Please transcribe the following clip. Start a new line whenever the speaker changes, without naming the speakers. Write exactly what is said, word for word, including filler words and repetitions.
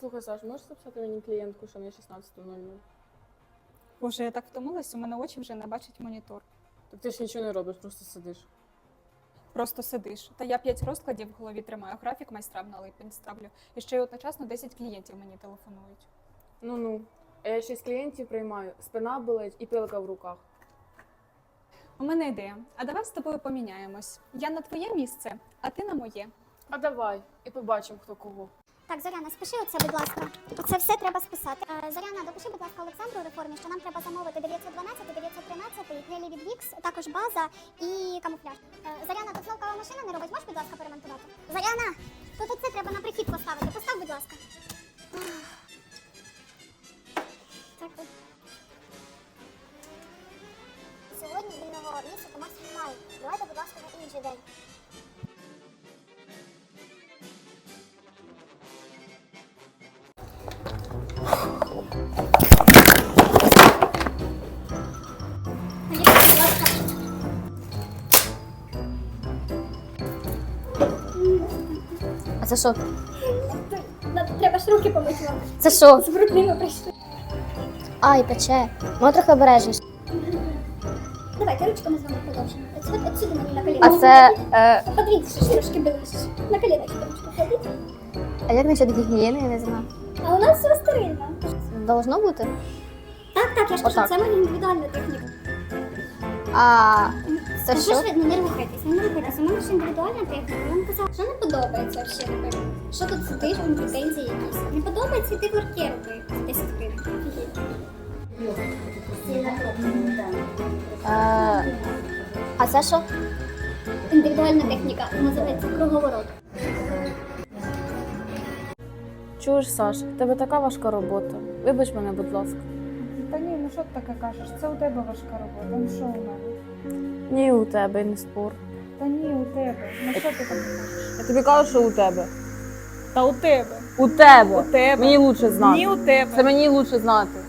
Слухай, Саш, можеш записати мені клієнтку, що на шістнадцята нуль нуль?
Боже, я так втомилась, у мене очі вже не бачать монітор.
Так ти ж нічого не робиш, просто сидиш.
Просто сидиш. Та я п'ять розкладів в голові тримаю, графік майстрам на липень ставлю. І ще й одночасно десять клієнтів мені телефонують.
Ну-ну. А я шість клієнтів приймаю, спина болить і пилка в руках.
У мене ідея. А давай з тобою поміняємось. Я на твоє місце, а ти на моє.
А давай, і побачимо, хто кого.
Так, Зоряна, спиши оце, будь ласка. Оце все треба списати. Е, Зоряна, допиши, будь ласка, Олександру у реформі, що нам треба замовити дев'ятсот дванадцять, дев'ятсот тринадцять, гелі від Вікс, також база і камуфляж. Е, Зоряна, тут знову кава машина не робить, можеш, будь ласка, перемонтувати? Зоряна, тут оце треба на прихід поставити. Постав, будь ласка. Так. Сьогодні вільного місяця максимум немає. Давайте, будь ласка, на інший день.
А це що?
Треба ж руки помити вам.
Це що?
З брудними прийшли.
Ай, пече. Ну трохи обережніше.
Давайте ручками з вами продовжимо. От, от, от сюди мені на коліна.
А це. Е,
Подивіться, що ж трошки ближче. На коліна ручку кладіть.
а як насчет гігієни, я не знаю.
А у нас все стерильно.
Должно бути?
Так, так, я ж кажу,
Отак.
це моя індивідуальна техніка.
А це
Та
що?
ж ви, ну не рухайтесь, не рухайтесь. У мене ж індивідуальна техніка. Я вам казала, що не подобається взагалі, напевно. Що тут сидиш, вам претензії якісь. Не подобається, ти ворки роби. десять гривень.
Е, а це що?
Індивідуальна техніка, називається круговорот.
Чуєш, Саш, в тебе така важка робота. Вибач мене, будь ласка.
Та ні, ну що ти таке кажеш? Це у тебе важка робота. Ну що у мене?
Ні, у тебе, і не спор.
Та ні, у тебе. Ну що ти там кажеш?
Я тобі кажу, що у тебе.
Та у тебе.
У тебе.
У тебе.
Мені лучше знати.
Ні, у тебе.
Це мені лучше знати.